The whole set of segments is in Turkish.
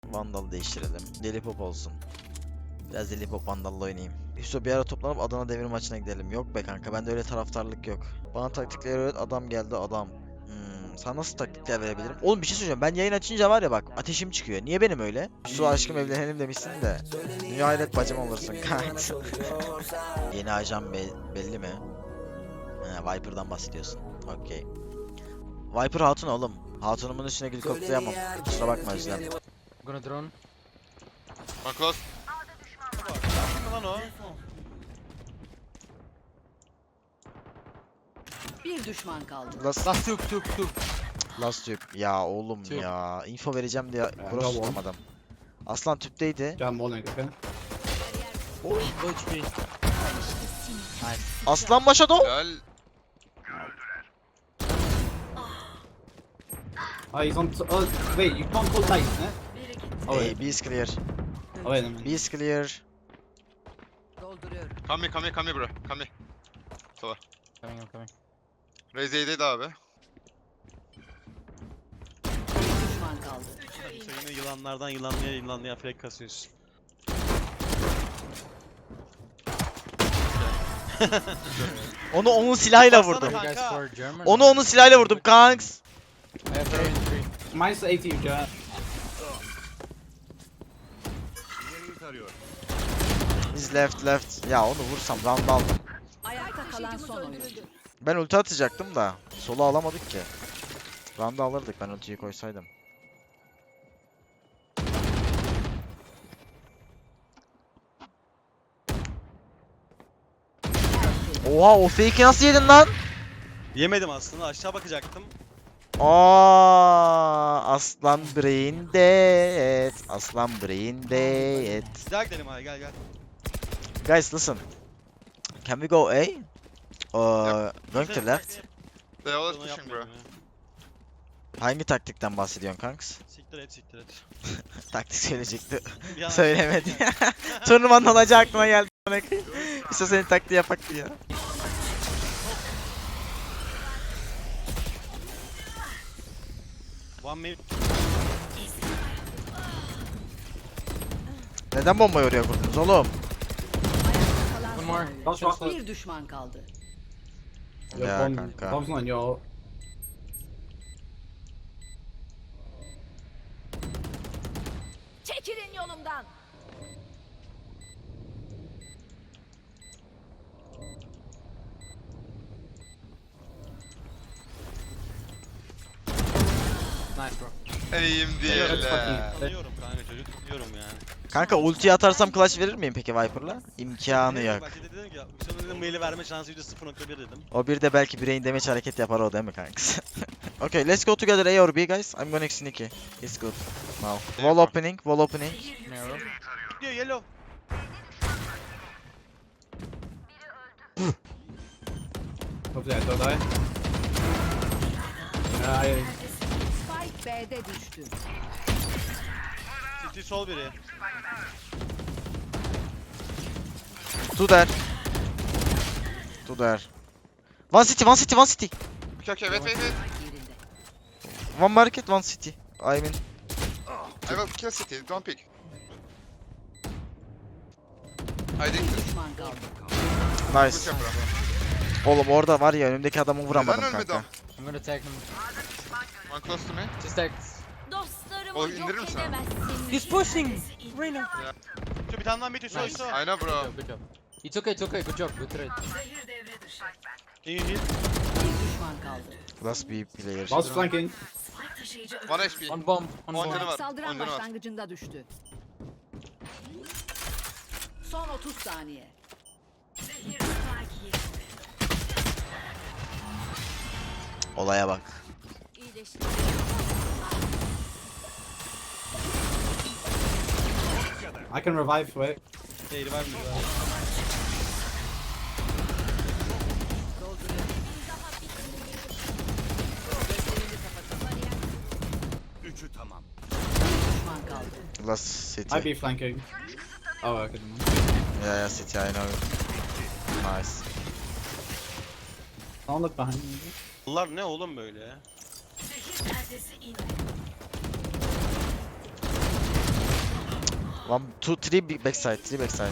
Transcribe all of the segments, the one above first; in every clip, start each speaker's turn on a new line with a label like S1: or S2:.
S1: Vandal değiştirelim. Delipop olsun. Biraz Delipop Vandal'la oynayayım. Hüso bir ara toplanıp Adana Demir maçına gidelim. Yok be kanka, bende öyle taraftarlık yok. Bana taktikleri öğret, adam geldi adam. Sana nasıl taktikler verebilirim? Oğlum bir şey söyleyeceğim. Ben yayın açınca var ya bak, ateşim çıkıyor. Niye benim öyle? Su aşkım evlenelim demişsin de. Dünya hayret bacım olursun kanka. Yeni ajan belli mi? Viper'dan bahsediyorsun. Okey. Viper hatun oğlum. Hatunumun üstüne gül koklayamam. Kusura bakma Özlem.
S2: Gonna drone.
S3: One close.
S4: Lan o.
S5: Bir düşman kaldı.
S1: Last
S2: Tuk.
S1: Last tüp. Ya oğlum
S2: Tüp.
S1: ya. Info vereceğim diye cross
S6: tamam.
S1: tutamadım. Aslan tüpteydi.
S6: Jump morning, okay?
S2: HP.
S1: Aslan başa doğ.
S3: Helal.
S6: Oh, he's on. Oh, wait, you can't call late, eh? Oh,
S1: Hey,
S6: wait.
S1: B is clear.
S6: Oh, wait a minute.
S1: B is clear.
S5: Dolduruyorum.
S3: Come here bro. Come here.
S2: I'm coming.
S3: Raze A'deydi abi.
S5: Bir düşman kaldı.
S4: Sen yine yılanlardan yılanlıya fake kasıyorsun.
S1: Onu onun silahıyla
S4: Baksana
S1: vurdum.
S4: kanka.
S2: You guys for German?
S1: Onu onun silahıyla vurdum kanks.
S2: I have 3 and 3.
S6: Minus 80, Joe.
S1: Biz left. Ya onu vursam round aldım.
S5: Ayakta kalan son oyuncu.
S1: Ben ulti atacaktım da solu alamadık ki. Round'u alırdık ben ultiyi koysaydım. Oha, o fake'i nasıl yedin lan?
S4: Yemedim aslında, aşağı bakacaktım.
S1: Aslan brain dead. Aslan brain dead.
S4: Bir daha gidelim abi, gel.
S1: Guys listen. Can we go A? Going to left.
S3: They always
S4: Onu
S3: pushing bro.
S4: yapmayalım ya.
S1: Hangi taktikten bahsediyorsun kanks?
S4: Siktir et.
S1: Taktik söyleyecekti.
S4: Bir an-
S1: Söylemedi. Turnuvanın olacağı aklıma geldi. İşte senin taktiği yapak ya.
S4: One minute.
S1: Neden bombayı oraya kurdunuz oğlum?
S5: Ayakta kalan
S2: One
S5: son
S2: more.
S5: oyuncu.
S6: Last one.
S5: Bir düşman kaldı.
S6: Your
S1: Ya
S6: bomb,
S1: kanka.
S6: bomb's not in your.
S5: Çekilin yolumdan.
S2: Nice, bro.
S3: Eğim değil.
S6: let's fucking-
S4: Tanıyorum kanka, çocuk tanıyorum yani.
S1: Kanka ultiyi atarsam clutch verir miyim peki Viper'la? İmkanı yok.
S4: Bak dedim ki, Hüsam'ın dedim maili verme şansı %0.1 dedim.
S1: O bir de belki brain damage hareket yapar o, değil mi kanks? Okay, let's go together A or B guys. I'm going sneaky. It's good. Now. Wall opening.
S2: Narrow.
S4: Diyor yellow.
S6: Hopefully I don't die. I.
S5: Spike B'de düştü.
S4: City sol biri.
S1: Two there. One city.
S3: Okay, wait.
S5: Yerinde.
S1: One market, one city. I mean.
S3: I will kill city, don't pick. Hiding.
S5: Bir düşman kaldı.
S3: Good
S1: Nice.
S3: job bro.
S1: Oğlum orada var ya, önümdeki adamı vuramadım
S3: Neden ölmedi
S1: kanka.
S2: I'm gonna tag him.
S3: One close to me.
S2: Just tag.
S5: Dostlarımı
S3: O indirir misin abi?
S2: He's pushing! Reyna!
S4: Şu bir tane daha mid üstü
S2: Nice.
S4: üstü.
S3: I know bro.
S2: Good job. It's okay. Good job. Good trade.
S4: İyi.
S5: Bir düşman kaldı.
S1: Last B player.
S6: Last flanking.
S3: 1 HP.
S2: On bomb. On
S3: One
S2: bomb.
S3: canı var.
S5: Saldıran
S3: On canı var.
S5: başlangıcında düştü. Son 30 saniye.
S1: Olaya bak.
S6: I can revive, wait.
S4: Değil var mı?
S5: Düşman kaldı.
S1: Last city.
S6: I be flanking. Oh, okay.
S1: Yeah, city, I know. Nice.
S6: Don't look behind me.
S4: Bunlar ne oğlum böyle?
S1: One, two, three big backside, three backside.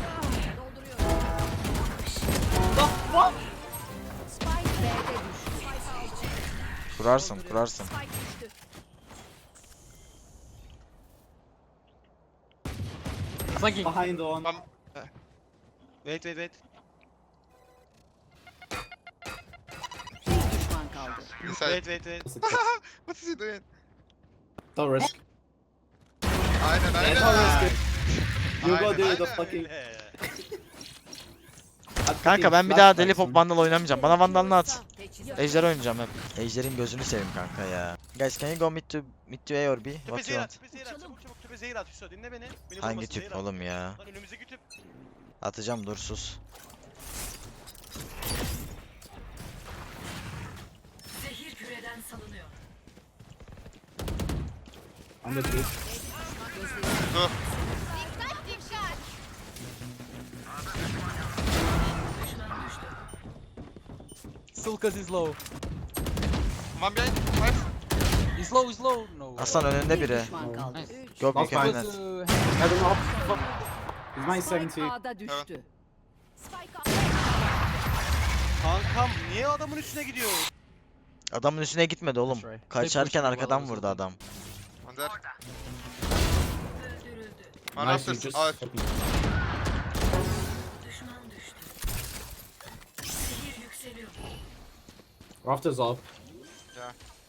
S5: Spike B'de düştü.
S1: Kurarsın, kurarsın.
S2: Flanking.
S6: Behind on.
S4: Wait.
S5: Bir düşman kaldı.
S3: Inside.
S4: Wait.
S3: What is he doing?
S6: Don't risk.
S3: Aynen aynen.
S6: Don't risk it. You go
S3: Aynen,
S6: do the
S3: aynen.
S6: fucking...
S1: Kanka ben bir daha Deli Pop Vandal oynamayacağım. Bana Vandal'ını at.
S5: Teçhizat.
S1: Ejder oynayacağım hep. Ejder'in gözünü seveyim kanka ya. Guys can you go mid to A or B?
S4: Tüpe
S1: What you
S4: zehir at,
S1: want?
S4: tüpe zehir at. Çabuk tüpe zehir at. Hüso dinle beni. Beni
S1: Hangi
S4: vurmasın, zehir
S1: tüp
S4: at.
S1: oğlum ya?
S4: Lan önümüzdeki tüp.
S1: Atacağım dur sus.
S5: Zehir küreden salınıyor.
S6: On the tree.
S3: Dur.
S2: Sulkas is low.
S3: One behind. Nice.
S2: He's low. No.
S1: Aslan önünde
S5: Bir
S1: biri.
S5: düşman kaldı.
S2: Nice.
S1: Go
S6: Last
S1: big and
S6: fight.
S1: net.
S2: Close,
S6: I don't know. He's my
S5: Spike
S6: 70.
S5: A'da düştü.
S4: Kankam niye adamın üstüne gidiyor?
S1: Adamın üstüne gitmedi oğlum.
S2: That's right.
S1: Kaçarken
S2: They pushed
S1: arkadan
S2: well,
S1: vurdu adam.
S3: One there. One
S6: Nice, you
S3: after.
S6: just...
S3: Oh,
S6: Rafters up.
S3: yeah.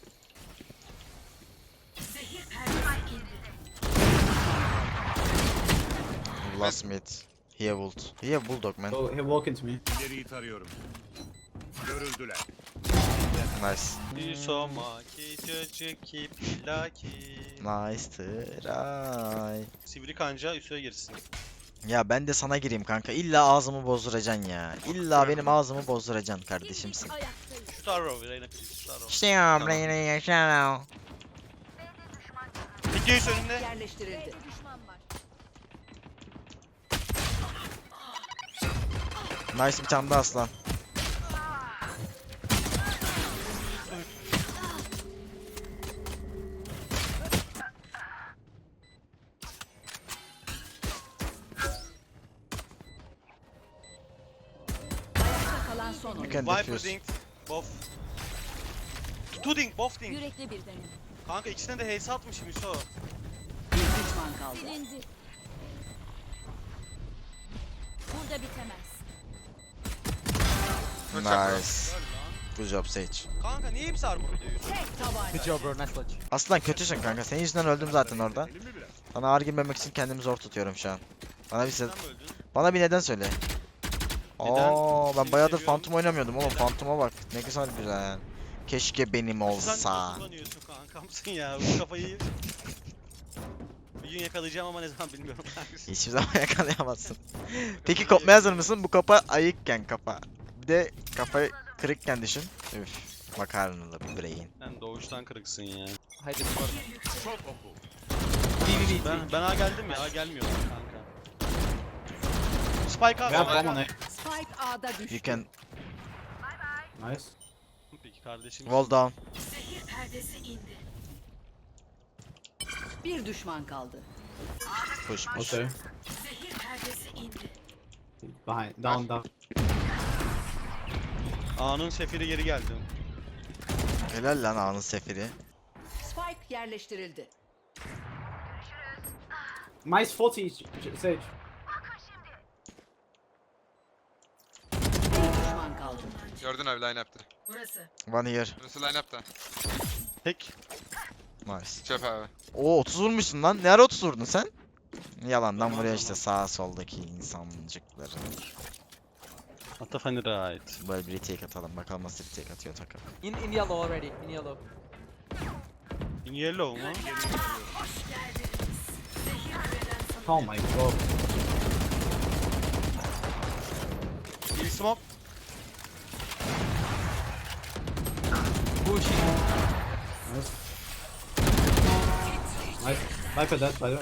S1: Last mid. He have ult. He have bulldog man.
S6: So he'll walk into me.
S7: İleriyi tarıyorum. Görüldüler.
S1: Nice.
S4: Hüso maki çocuk ki plaki.
S1: Nice try.
S4: Sivri kanca Hüso'ya girsin.
S1: Ya ben de sana gireyim kanka. İlla ağzımı bozduracaksın ya. İlla benim ağzımı bozduracaksın kardeşimsin.
S4: Star Row, Reyna please, Star Row.
S1: İşte ya Reyna yaşa.
S4: Peki Hüso önünde.
S5: Yerleştirildi.
S1: Nice bir tane daha aslan.
S5: Ayakta kalan son
S1: You
S5: oyun.
S1: can
S4: Viper
S1: defuse.
S4: dink, both. Two dink, both dink.
S8: Yürekli bir denem.
S4: Kanka ikisine de HS atmışım Hüso.
S5: Bir düşman kaldı.
S8: Silindi. Burada bitemez.
S3: Good job, bro.
S1: Nice. Good job Sage.
S4: Kanka niye hepsi armor diyor Hüso?
S5: Tek tabanca.
S2: Good job, bro. Nice clutch.
S1: Aslan kötüsün kanka. Senin yüzünden öldüm zaten orada.
S7: Edelim mi biraz?
S1: Sana ağır girmemek için kendimi zor tutuyorum şu an. Bana bir
S4: Sen mi öldün?
S1: bana bir neden söyle.
S4: Neden?
S1: Oo ben
S4: Seni
S1: bayağıdır
S4: seviyorum.
S1: Phantom oynamıyordum oğlum. Phantom'a bak. Ne güzel güzel. Keşke benim
S4: Sen
S1: olsa.
S4: nasıl kullanıyorsun kankamsın ya bu kafayı. Bir gün yakalayacağım ama ne zaman bilmiyorum.
S1: Hiçbir zaman yakalayamazsın. Peki kopmaya hazır mısın? Bu kafa ayıkken kafa. Bir de kafa kırıkken düşün. Üf. Makarnalı bir brain.
S4: Sen doğuştan kırıksın ya.
S2: Hide the spot.
S7: Çok oku.
S4: Ben A geldim ya, A gelmiyor kanka. Spike
S6: We have
S4: abi.
S6: bomb on A.
S5: Spike A'da düştü.
S1: You can
S6: Nice.
S4: Peki kardeşim.
S1: wall down.
S5: Bir düşman kaldı.
S1: Push push.
S6: Okay. Behind. Down.
S4: A'nın sefiri geri geldi.
S1: Helal lan anın sefiri.
S5: Spike yerleştirildi.
S6: Mine's 40, Sage.
S5: Bir düşman kaldı.
S3: Gördün abi line up'ta.
S1: One here.
S3: Burası line up'ta.
S4: Tek.
S1: Nice.
S3: Çöp abi.
S1: Oo 30 vurmuşsun lan. Ne ara 30 vurdun sen? Yalandan vuruyor işte sağ soldaki insancıkları.
S4: Hatta funny right.
S1: Böyle bir retake atalım. Bakalım nasıl retake atıyor takım.
S2: In yellow already. In yellow.
S4: In yellow mu?
S6: Oh my god.
S4: Bir smoke.
S2: Pushing.
S6: Nice. Nice. Viper dead, by the way.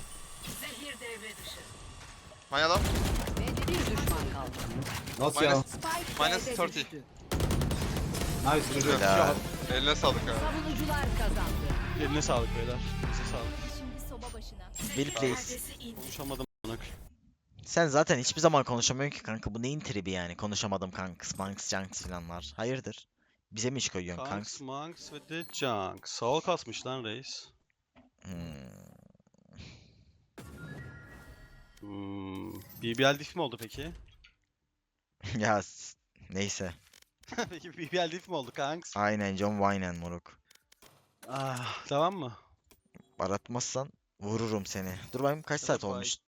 S3: My yellow.
S5: Bir düşman kaldı.
S6: Last
S3: Minus-
S6: yellow.
S5: Spike
S3: Minus
S5: B'de
S3: 30.
S5: düştü.
S6: Nice, good
S1: Helal.
S6: job.
S3: Eline sağlık abi.
S5: Savunucular kazandı.
S4: Eline sağlık beyler. Size sağlık.
S8: Şimdi soba başına.
S1: Will please.
S4: Konuşamadım. amına koyayım.
S1: Sen zaten hiçbir zaman konuşamıyorsun ki kanka. Bu neyin tribi yani? Konuşamadım kanks, manks, junks filanlar. Hayırdır? Bize mi iş koyuyorsun
S4: Kanks,
S1: kanks?
S4: Monks ve The Junk. Sağ kasmış lan reis. BBL diff mi oldu peki?
S1: Ya neyse.
S4: Peki BBL diff mi oldu kanks?
S1: Aynen John Wayne moruk.
S4: Ah, tamam mı?
S1: Aratmazsan vururum seni. Dur bakayım kaç saat
S4: Bye.
S1: olmuş?